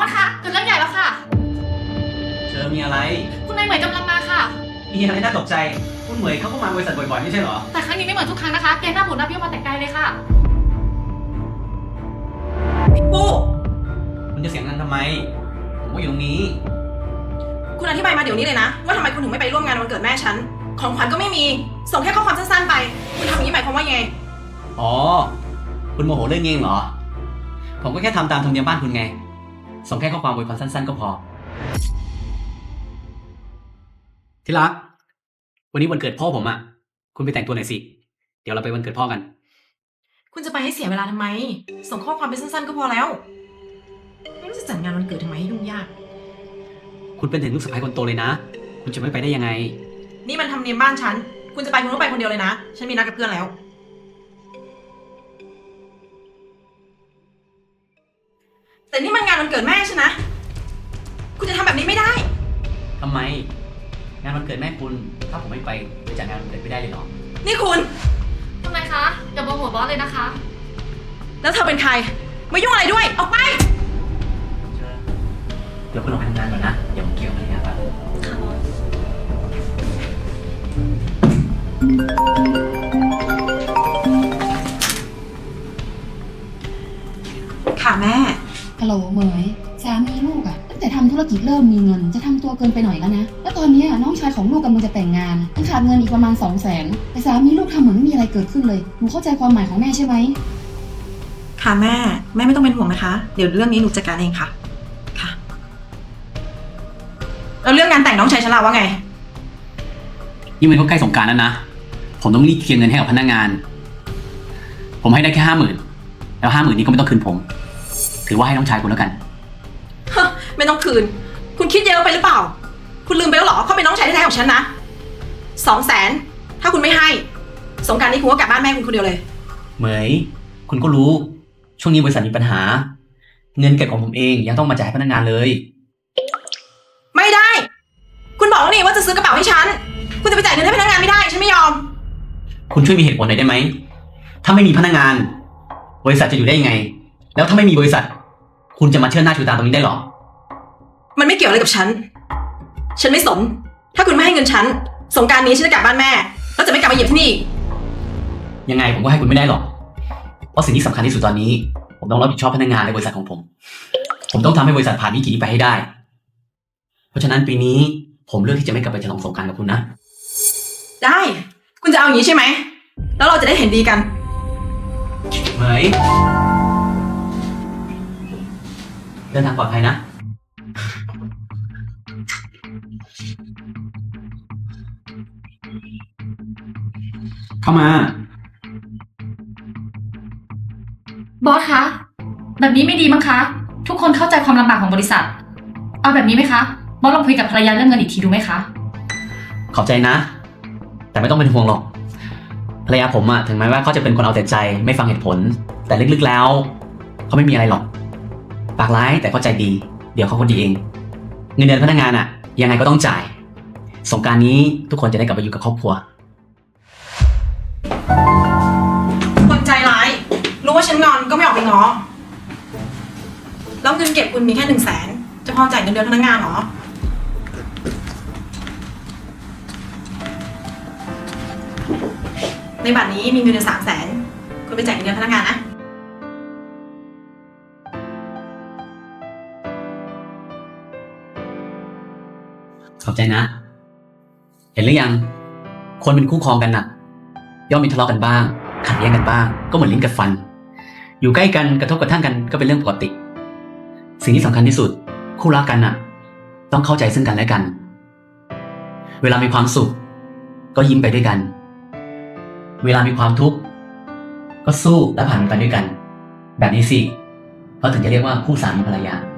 อสคะเกิดเรื่องใหญ่แล้วค่ะเธอมีอะไรคุณนายเหมยกำลังมาค่ะมีอะไรน่าตกใจคุณเหมยเขาก็มาบริษัทบ่อยๆไม่ใช่เหรอแต่ครั้งนี้ไม่เหมือนทุกครั้งนะคะแกหน้าบูดหน้าเบี้ยวมาแต่ไกลเลยค่ะพี่ปูคุณจะเสียงดังทำไมผมก็อยู่ตรงนี้คุณอธิบายมาเดี๋ยวนี้เลยนะว่าทำไมคุณถึงไม่ไปร่วมงานวันเกิดแม่ฉันของขวัญก็ไม่มีส่งแค่ข้อความสั้นๆไปคุณทำอย่างนี้หมายความว่าไงอ๋อคุณโมโหเรื่องเงี้ยเหรอผมก็แค่ทำตามธรรมเนียมบ้านคุณไงส่งแค่ข้อความอวยพรสั้นๆก็พอที่รักวันนี้วันเกิดพ่อผมอ่ะคุณไปแต่งตัวหน่อยสิเดี๋ยวเราไปวันเกิดพ่อกันคุณจะไปให้เสียเวลาทำไมส่งข้อความไปสั้นๆก็พอแล้วไม่รู้จะจัดงานวันเกิดทำไมให้ยุ่งยากคุณเป็นถึงลูกสะใภ้คนโตเลยนะคุณจะไม่ไปได้ยังไงนี่มันทำเนียมบ้านฉันคุณจะไปคุณต้องไปคนเดียวเลยนะฉันมีนัดกับเพื่อนแล้วแต่นี่มันงานวันเกิดแม่ฉันนะคุณจะทำแบบนี้ไม่ได้ทำไมงานวันเกิดแม่คุณถ้าผมไม่ไปจะจัดงานวันเกิดไม่ได้เลยเหรอนี่คุณทำไมคะอย่าโมโหบอสเลยนะคะแล้วเธอเป็นใครไม่ยุ่งอะไรด้วยออกไปเดี๋ยวคุณลองไปทำงานก่อนนะเดี๋ยวผมเกี่ยวกับงานครับค่ะแม่ฮัลโหลเหมยสามีลูกอะตั้งแต่ทำธุรกิจเริ่มมีเงินจะทำตัวเกินไปหน่อยแล้วนะแล้วตอนนี้น้องชายของลูกกำลังจะแต่งงานต้องขาดเงินอีกประมาณ200,000แต่สามีลูกทำเหมือนไม่มีอะไรเกิดขึ้นเลยหนูเข้าใจความหมายของแม่ใช่ไหมค่ะแม่ไม่ต้องเป็นห่วงนะคะเดี๋ยวเรื่องนี้หนูจัดการเองค่ะค่ะแล้วเรื่องงานแต่งน้องชายฉันล่ะว่าไงยิ่งมันก็ใกล้สงกรานต์แล้วนะผมต้องรีบเคลียร์เงินให้กับพนักงานผมให้ได้แค่50,000แล้ว50,000นี้ก็ไม่ต้องคืนผมถือว่าให้น้องชายคุณแล้วกันไม่ต้องคืนคุณคิดเยอะไปหรือเปล่าคุณลืมไปแล้วเหรอเขาเป็นน้องชายแท้ๆของฉันนะ200,000ถ้าคุณไม่ให้สงกรานต์นี้คุณก็กลับบ้านแม่คุณคนเดียวเลยเหมยคุณก็รู้ช่วงนี้บริษัทมีปัญหาเงินเก็บของผมเองยังต้องมาจ่ายให้พนักงานเลยไม่ได้คุณบอกแล้วนี่ว่าจะซื้อกระเป๋าให้ฉันคุณจะไปจ่ายเงินให้พนักงานไม่ได้ฉันไม่ยอมคุณช่วยมีเหตุผลหน่อยได้ไหมถ้าไม่มีพนักงานบริษัทจะอยู่ได้ยังไงแล้วถ้าไม่มีบริษัทคุณจะมาเชิดหน้าชูตาตรงนี้ได้หรอมันไม่เกี่ยวอะไรกับฉันไม่สนถ้าคุณไม่ให้เงินฉันสงกรานต์นี้ฉันจะกลับบ้านแม่แล้วจะไม่กลับมาเหยียบที่นี่ยังไงผมก็ให้คุณไม่ได้หรอกเพราะสิ่งที่สำคัญที่สุดตอนนี้ผมต้องรับผิดชอบพนักงานในบริษัทของผมต้องทำให้บริษัทผ่านวิกฤตนี้ไปให้ได้เพราะฉะนั้นปีนี้ผมเลือกที่จะไม่กลับไปฉลองสงกรานต์กับคุณนะได้คุณจะเอาอย่างนี้ใช่ไหมแล้วเราจะได้เห็นดีกันเหมยเดินทางปลอดภัยนะเข้ามาบอสคะแบบนี้ไม่ดีมั้งคะทุกคนเข้าใจความลำบากของบริษัทเอาแบบนี้ไหมคะบอสลองคุยกับภรรยาเรื่องเงินอีกทีดูไหมคะขอบใจนะแต่ไม่ต้องเป็นห่วงหรอกภรรยาผมอะถึงแม้ว่าเขาจะเป็นคนเอาแต่ใจไม่ฟังเหตุผลแต่ลึกๆแล้วเขาไม่มีอะไรหรอกปากร้ายแต่เข้าใจดีเดี๋ยวเขาคนดีเองเงินเดือนพนักงานอะยังไงก็ต้องจ่ายสงกรานต์นี้ทุกคนจะได้กลับไปอยู่กับครอบครัวคนใจร้ายรู้ว่าฉันงอนก็ไม่ออกไปง้อแล้วเงินเก็บคุณมีแค่100,000จะพอจ่ายเงินเดือนพนักงานหรอในบัตรนี้มีเงินเดือน300,000คุณไปจ่ายเงินเดือนพนักงานนะขอบใจนะเห็นหรือยังคนเป็นคู่ครองกันน่ะย่อมมีทะเลาะกันบ้างขัดแย้งกันบ้างก็เหมือนลิ้นกับฟันอยู่ใกล้กันกระทบกระทั่งกันก็เป็นเรื่องปกติสิ่งที่สำคัญที่สุดคู่รักกันน่ะต้องเข้าใจซึ่งกันและกันเวลามีความสุขก็ยิ้มไปด้วยกันเวลามีความทุกข์ก็สู้และผ่านมันไปด้วยกันแบบนี้สิเขาถึงจะเรียกว่าคู่สามีภรรยา